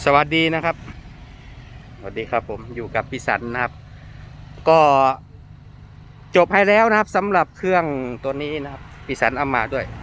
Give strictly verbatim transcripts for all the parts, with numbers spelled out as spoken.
สวัสดีนะครับสวัสดีครับผมอยู่กับพี่สันนะครับ ก็จบให้แล้วนะครับสำหรับเครื่องตัวนี้นะครับพี่สันเอามาด้วย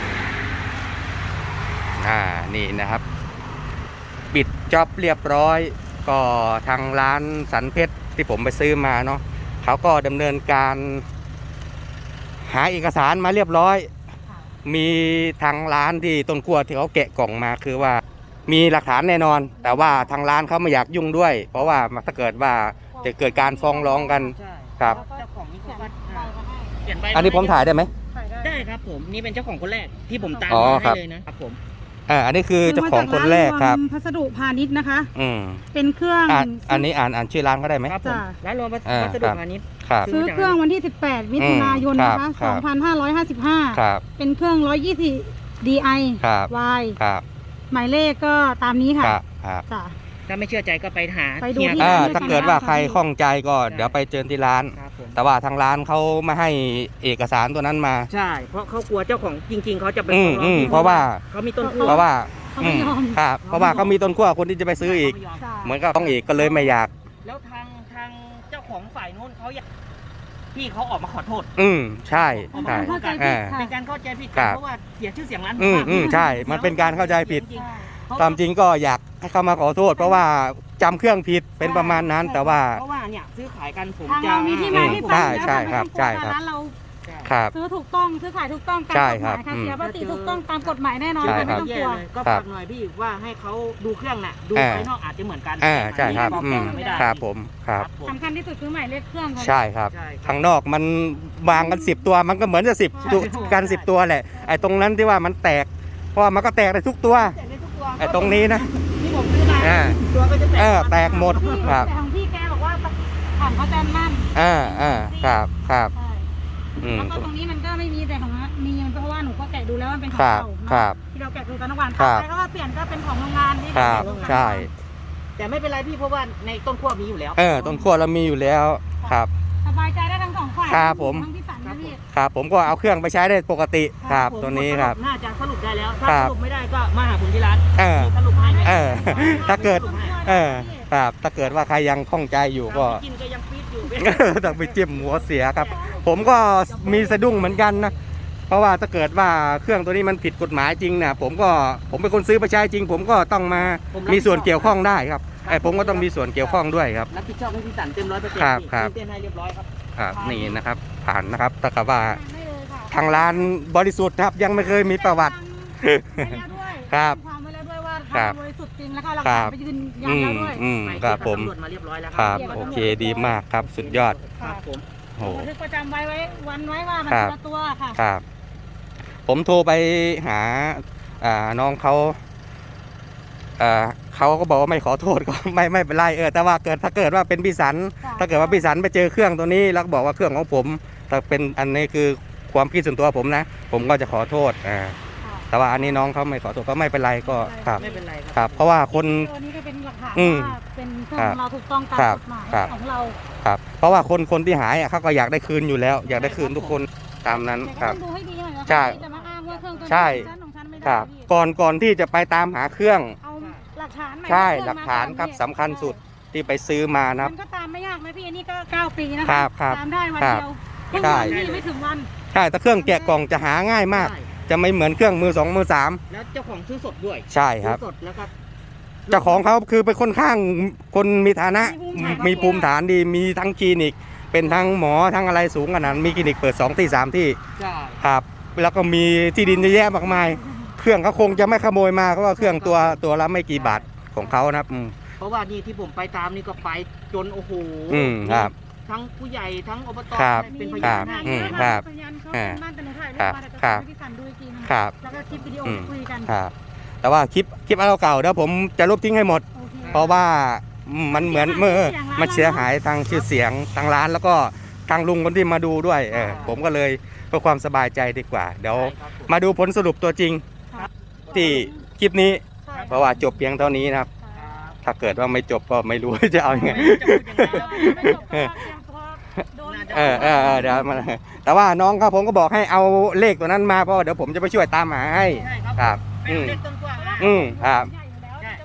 อ่านี่นะครับปิดจ็อบเรียบร้อยก็ทางร้านสันเพชรที่ผมไปซื้อมาเนาะเขาก็ดำเนินการหาเอกสารมาเรียบร้อยมีทางร้านที่ต้นขั้วที่เขาแกะกล่องมาคือว่ามีหลักฐานแน่นอนแต่ว่าทางร้านเขาไม่อยากยุ่งด้วยเพราะว่าถ้าเกิดว่าจะเกิดการฟ้องร้องกันครับเจ้าของนี่เขาก็เขียนใบอันนี้ผมถ่ายได้ไหมได้ครับผมนี่เป็นเจ้าของคนแรกที่ผมตามอ๋อมาครัให้บเลยนะครับผมอ่าอันนี้คือเจ้าของคนแรกครับพัสดุพาณิชย์นะคะอืมเป็นเครื่องอ่านอันนี้อ่านอ่านชื่อร้านเขาได้ไหมครับผมจ้ะร้านรวมวัอ่าสดุพาณิชย์ครับซื้อเครื่องวันที่สิบแปดมิถุนายนอืมนะครัคะบครับสองพันห้าร้อยห้าสิบห้าครับเป็นเครื่องหนึ่งร้อยยี่สิบ ดี ไอครับ Y ครับหมายเลขก็ตามนี้ค่ะครับครับจ้ะถ้าไม่เชื่อใจก็ไปหาไปดูเฮียที่อ่าร้านถ้าเกิดว่าใครข้องใจก็เดี๋ยวไปเจอที่ร้านครับผมแต่ว่าทางร้านเขาไม่ให้เอกสารตัวนั้นมาใช่เพราะเขากลัวเจ้าของจริง ๆเขาจะไปอืมฟ้องร้อืองมที่เพราะว่าเขามีต้นขั้วเพราะว่าเขาไม่ยอมครับเพราะว่าเขามีต้นขั้วคนที่จะไปซื้ออีกเขาไม่ยมจ้ะเหมือนกับต้องอีกก็เลยไม่อยากแล้วทางทางเจ้าของฝ่ายนู้นเขาอยากพี่เขาออกมาขอโทษอืมใช่ออกมาใช่ขอโทษกันอ่าเป็นการเข้าใจผิดครักันบเพราะว่าเสียชื่อเสียงร้านอืมมากอืมใช่ มันเป็นการเข้าใจผิดจริงใช่ๆตามจริงก็อยากให้เขามาขอโทษ เพราะว่าจำเครื่องผิดเป็นประมาณนั้น แต่ว่าเพราะว่าเนี่ยซื้อขายกันผมทางจะเรามีที่มาที่ไปใช่แล้วใช่ค่ะครับใช่ครับไม่ต้องกลัวร้านเราครับซื้อถูกต้องซื้อขายถูกต้องตามใช่กฎหครัมาบยค่ะอืมเสียภาษีถูกต้องตามกฎหมายแน่นอนใช่ค่ะครัไม่บต้องกลัวก็ครัฝาบกหน่อยพี่ว่าให้เขาดูเครื่องน่ะดูอ่าภายนอกอาจจะเหมือนกันอ่าใช่ครับอันอืนี้มบอกไม่ได้ครับผมครับผมสำคัญที่สุดคือหมายเลขเครื่องค่ะใช่ครับใช่ครับข้างนอกมันวางกันสิบตัวมันก็เหมือนจะสิบตัวกันสิบตัวแหละไอ้ตรงนั้นที่ว่ามันแตกเพราะว่ามันก็แตกได้ทุกตัวแตกได้ทุกตัวไอ้ตรงนี้นะที่ผมซื้อมาอ่าตัวก็จะแตกเออแตกหมดที่ครับแต่ของพี่แกบอกว่าผ่านเขาแจ้งมั่นอ่าอ่าครับครับใช่อืมแล้วก็ตรงนี้มันก็ไม่มีแต่ของมีเพราะว่าหนูก็แกะดูแล้วมันเป็นของครับเก่าครับที่เราแกะดูกันทุกวันครัต่อบ ไปก็เปลี่ยนก็เป็นของโรงงานที่ครับเาแกะดูกันใช่แต่ไม่เป็นไรพี่เพราะว่าในต้นขั้วมีอยู่แล้วเออต้นขั้วเรามีอยู่แล้วครับสบายใจได้ทั้งสองฝ่ายครับผมทั้งพี่สันและพี่ครับผมก็เอาเครื่องไปใช้ได้ปกติครับผมตัวนี้ครับน่าจะสรุปได้แล้ว ถ้าครับสรุปไม่ได้ก็มาหาผมที่ร้านเออสรุปให้ไหมเออ ถ้าเกิด เออครับถ้าเกิดว่าใครยังข้องใจอยู่ก็กินก็ยังฟีดอยู่ต้องไปจิ้มหัวเสียครับ ผมก็มีสะดุ้งเหมือนกันนะเพราะว่าถ้าเกิดว่าเครื่องตัวนี้มันผิดกฎหมายจริงนะผมก็ผมเป็นคนซื้อไปใช้จริง ผมก็ต้องมามีส่วนเกี่ยวข้องได้ครับไอ้ผมก็ต้องมีส่วนเกี่ยวข้องด้วยครับรับผิดชอบให้พี่สันเต็มร้อยเปอร์เซ็นต์ครับครับเต้นให้เรียบร้อยครับครับนี่นะครับ ผ่านนะครับแต่กับว่าได้เลยค่ะทางร้านบริสุทธิ์ครับยังไม่เคยมีประวัติไว้แล้วด้วยครับความไว้แล้วด้วยว่าครัทาบงบริสุทธิ์จริงแล้วก็หลักครัฐานบไปยืนยันอืแล้มวด้วยอืมไปครับผมตำรวจมาเรียบร้อยแล้วครับเยกว่าโอตำรวจเคดีมากครับสุดยอดครับผมโอ้บันทึกประจำไว้ไว้วันไว้ว่ามันครับคนละตัวค่ะครับ ผมโทรไปหาอ่าน้องเขาอ่าเขาก็บอกว่าไม่ขอโทษก็ ไม่ไม่เป็นไรเออแต่ว่าเกิดถ้าเกิดว่าเป็นพี่สันค่ะถ้าเกิดว่าพี่สันไปเจอเครื่องตัวนี้แล้วก็บอกว่าเครื่องของผมแต่เป็นอันนี้คือความคิดส่วนตัวผมนะ ผมก็จะขอโทษอ่าค่ะแต่ว่าอันนี้น้องเขาไม่ขอโทษก็ไม่เป็นไรก็ครับไม่เป็นไรคครัรับ เพราะว่าคนตัวนี้ก็เป็นหลักฐานอืมว่าเป็นเครื่องครัขบองเราถูกต้องตามครับกฎหมายครับของเราครับ เพราะว่าคนคนที่หายอ่ะเขาก็อยากได้คืนอยู่แล้ว อยากได้คืนทุกคนตามนั้นแต่คก็รับต้องดูให้ดีหน่อยนะใช่จะมาอ้างว่าเครื่องตัวนี้ใช่ของฉันของฉันไม่ได้ครับพี่ก่อนก่อนที่จะไปตามหาเครื่องเอาหลักฐานมาใช่เครื่องหลักฐานมครับก่อสำคัญสุดที่ไปซื้อมานะครับมันก็ตามไม่ยากนะพี่อันนี้ก็เก้าปีนะครัคะบครับตามได้วันครับเดียวเพิ่งใช่วันนี้ไม่ถึงวันใช่แต่เครื่องแกะกล่องจะหาง่ายมากใช่จะไม่เหมือนเครื่องมือสองมือสามแล้วเจ้าของซื้อสดด้วยใช่ครับซื้อสดแล้วก็เจ้าของเขาคือเป็นคนข้างคนมีฐานะ มีภูมิฐานดีมีทั้งคลินิก เป็นทั้งหมอทั้งอะไรสูงขนาดมีคลินิกเปิดสองที่สามที่ใช่ครับแล้วก็มีที่ดินเยอะแยะมากมาย เครื่องเขาคงจะไม่ขโมยมาเพราะว่าเครื่องตัวตัวละไม่กี่บาทของเขานะครับอืมเพราะว่านี่ที่ผมไปตามนี่ก็ไปจนโอ้โหอืมครับทั้งผู้ใหญ่ทั้งอบตครับเป็นพครัยานบให้อืมคครัรับบ พยานเขาเป็นบ้านแต่หนูถ่ายรูปมาแต่ครัจะบให้พี่สันดูอีกทีนึงครับแล้วก็คลิปวิดีโออืมคุยกันครับแต่ว่าคลิปคลิปอันเก่าๆเดี๋ยวผมจะลบทิ้งให้หมดโอเคเพราะว่ามันเหมือนเมื่อมันเสียหายทางชื่อเสียงทางร้านแล้วก็ทางลุงคนที่มาดูด้วยเออผมก็เลยเพื่อความสบายใจดีกว่า เดี๋ยวใช่ครับผมมาดูผลสรุปตัวจริงครับที่คลิปนี้ใช่เพราะว่าจบเพียงเท่านี้นะครับ ถ้าเกิดว่าไม่จบก็ไม่รู้ จะเอายังไงไม่จบก็ยังพอโดนเออเออเออเดี๋ยวมาแต่ว่าน้องครับผมก็บอกให้เอาเลขตัวนั้นมาเพราะว่าเดี๋ยวผมจะไปช่วยตามหาให้ใช่ครับครับไปอืเอามเลขต้นกล้วยมาอืมครับใหญ่อยู่แล้วใช่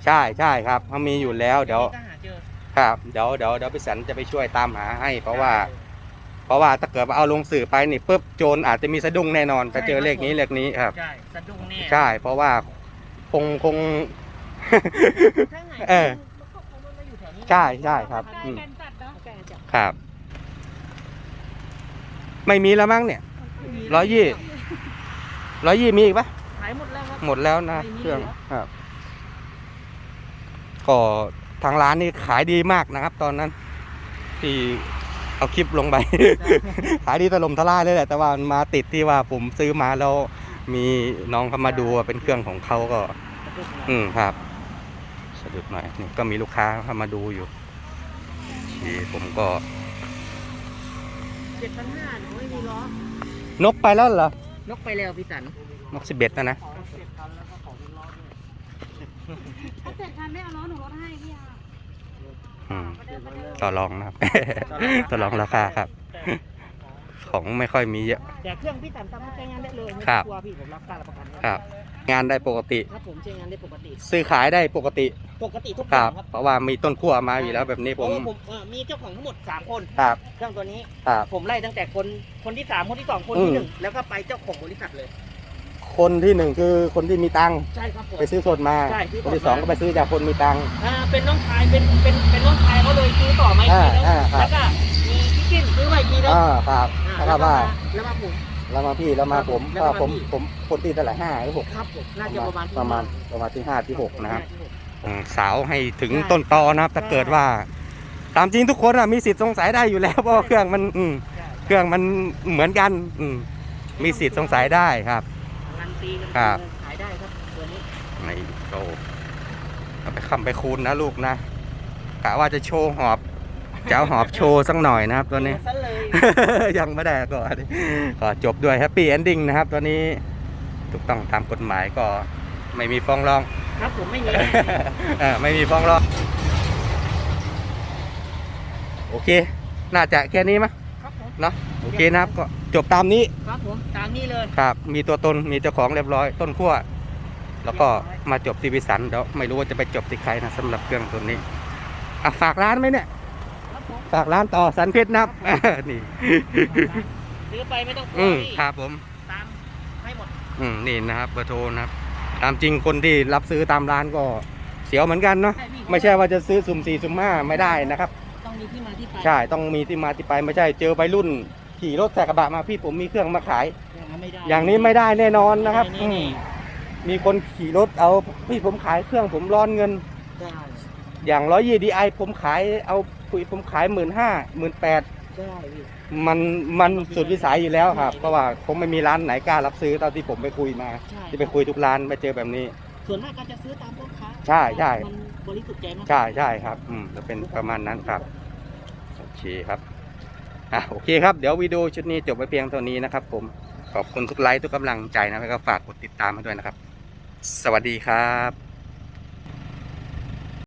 ใช่ใช่ครับเขามีอยู่แล้วเดี๋ยวก็หาเจอครับเดี๋ยวเดี๋ยวเดี๋ยวพี่สันจะไปช่วยตามหาให้ เพราะว่า เพราะว่าถ้าเกิดว่าเอาลงสื่อไปนี่ปุ๊บโจรอาจจะมีสะดุ้งแน่นอนถ้าเจอเลขนี้เลขนี้ครับใช่สะดุ้งแน่ใช่เพราะว่าคงคงถ้าไหนเออมันก็คงไม่มาอยู่แถวนี้ใช่ใช่ครับใกล้อืมกันจัดเนาะใกล้กันจับครับ ไม่มีแล้วมั้งเนี่ยร้อยยี่ร้อยยี่มีอีกปะขายหมดแล้วครับหมดแล้วนะไม่มีเครื่องแล้วครับก็ทางร้านนี่ขายดีมากนะครับ ตอนนั้น ที่เอาคลิปลงไป ขายดีถล่มทลายเลยแหละแต่ว่ามันมาติดที่ว่าผมซื้อมาแล้วมีน้องเขามาดูว่าเป็นเครื่องของเขาก็สะดุ้งนะอืมครับสะดุดหน่อยนี่ก็มีลูกค้าเข้ามาดูอยู่ที่ผมก็เจ็ดพันห้าหนูไม่มีล้อนกไปแล้วเหรอนกไปแล้วพี่สันนกสิบเอ็ดนะนะขอเจ็ดพันแล้วก็ขอมีล้อด้วยถ้าเจ็ดพันไม่เอาล้อหนูลดให้พี่อาอืมต่อรองนะครับ ต่อรองราคาครับ ของไม่ค่อยมีเยอะแต่เครื่องพี่สันทำให้ใช้งานได้เลยไม่ครัต้องบกลัวพี่ผมรับการรับประกันครับ งานได้ปกติครับผมใช้งานได้ปกติซื้อขายได้ปกติปกติทุกอคย่ารังบครับเพราะว่ามีต้นขั้วมาอยู่แล้วแบบนี้ผมเพราะว่าผมเอ่อมีเจ้าของทั้งหมดสามคนครับเครื่องตัวนี้ครับผมไล่ตั้งแต่คนคนที่สามคนที่สองคนอืที่มหนึ่งแล้วก็ไปเจ้าของบริษัทเลยคนที่หนึ่งคือคนที่มีตังค์ใช่ครับผมไปซื้อสดมาใช่ซื้อสดคนที่สองมาก็ไปซื้อจากคนมีตังค์อ่าเป็นน้องชายเป็นเป็นเป็นน้องชายเขาเลยซื้อต่อมาอีกทีนึงอ่าอ่าครับแล้วก็มีพี่กิ้นซื้อมาอีกทีนึงอ่าครับอ่าแล้วก็ว่าแล้วมาผมแล้วมาพี่แล้วมาผมแล้วก็ก็มาผมพี่ผมคนที่เท่าไหร่ห้าหรือหกครับผมน่าจะประมาณที่ประมาณห้ประมาณที่ห้าที่หกนะครับที่หกอืมสาวให้ถึงใช่ต้นตอนะครับ ถ้าใช่เกิดว่า ตามจริงทุกคนอะมีสิทธิ์สงสัยได้อยู่แล้ว เพราะว่าเครื่องมันอืมใช่เครื่องมันเหมือนกันอืมมีสิทธิ์สงสัยได้ครับการันตีกันครับขายได้ครับตัวนี้ในโตเอาไปคำไปคูณนะลูกนะกะว่าจะโชว์หอบจะเอาหอบโชว์สักหน่อยนะครับตัวนี้ซะเลยยังไม่ได้ก่อนก็จบด้วยแฮปปี้เอนดิ้งนะครับตัวนี้ถูกต้องตามกฎหมายก็ไม่มีฟ้องร้องครับผมไม่มีเออไม่มีฟ้องร้องโอเค น่าจะแค่นี้มั้ยครับผมเนาะโอเคนะครับก็จบตามนี้ครับผมตามนี้เลยครับ มีตัวตนมีเจ้าของเรียบร้อยต้นขั้วแล้วก็มาจบที่วิสันเดี๋ยวไม่รู้ว่าจะไปจบที่ใครนะสำหรับเครื่องตัวนี้อ่ะฝากร้านไหมเนี่ยครับผมฝากร้านต่อสันเพชรนับ นี่ซื้อไปไม่ต้องกลัอืวมพี่ครับผมตามให้หมดอืมนี่นะครับเบอร์โทรนะครับตามจริงคนที่รับซื้อตามร้านก็เสียวเหมือนกันเนาะใช่พี่ไม่ใช่ว่าจะซื้อสุ่มสี่สุ่มห้าไม่ได้นะครับต้องมีที่มาที่ไปใช่ต้องมีที่มาที่ไปไม่ใช่เจอวัยรุ่นขี่รถใส่กระบะมาพี่ผมมีเครื่องมาขายอย่างนั้นไม่ได้อย่างนี้ไม่ได้แน่นอนนะครับนี่อืมนี่มีคนขี่รถเอาพี่ผมขายเครื่องผมร้อนเงินใช่อย่างร้อยยี่ดีไอผมขายเอาคุยผมขายหมื่นห้าหมื่นแปดใช่พี่มันมันสุดวิสัยอยู่แล้วครับเพราะว่าผมไม่มีร้านไหนกล้ารับซื้อตอนที่ผมไปคุยมาใช่ที่ไปคุยทุกร้านไปเจอแบบนี้ส่วนมากก็จะซื้อตามพ่อค้าใช่ใช่มันบริสุทธิ์ใจมากใช่ใช่ครับอืมจะเป็นประมาณนั้นครับโอเคครับอ่ะโอเคครับเดี๋ยววิดีโอชุดนี้จบไปเพียงเท่านี้นะครับ ผมขอบคุณทุกไลค์ทุกกำลังใจนะแล้วก็ฝากกดติดตามให้ด้วยนะครับ สวัสดีครับ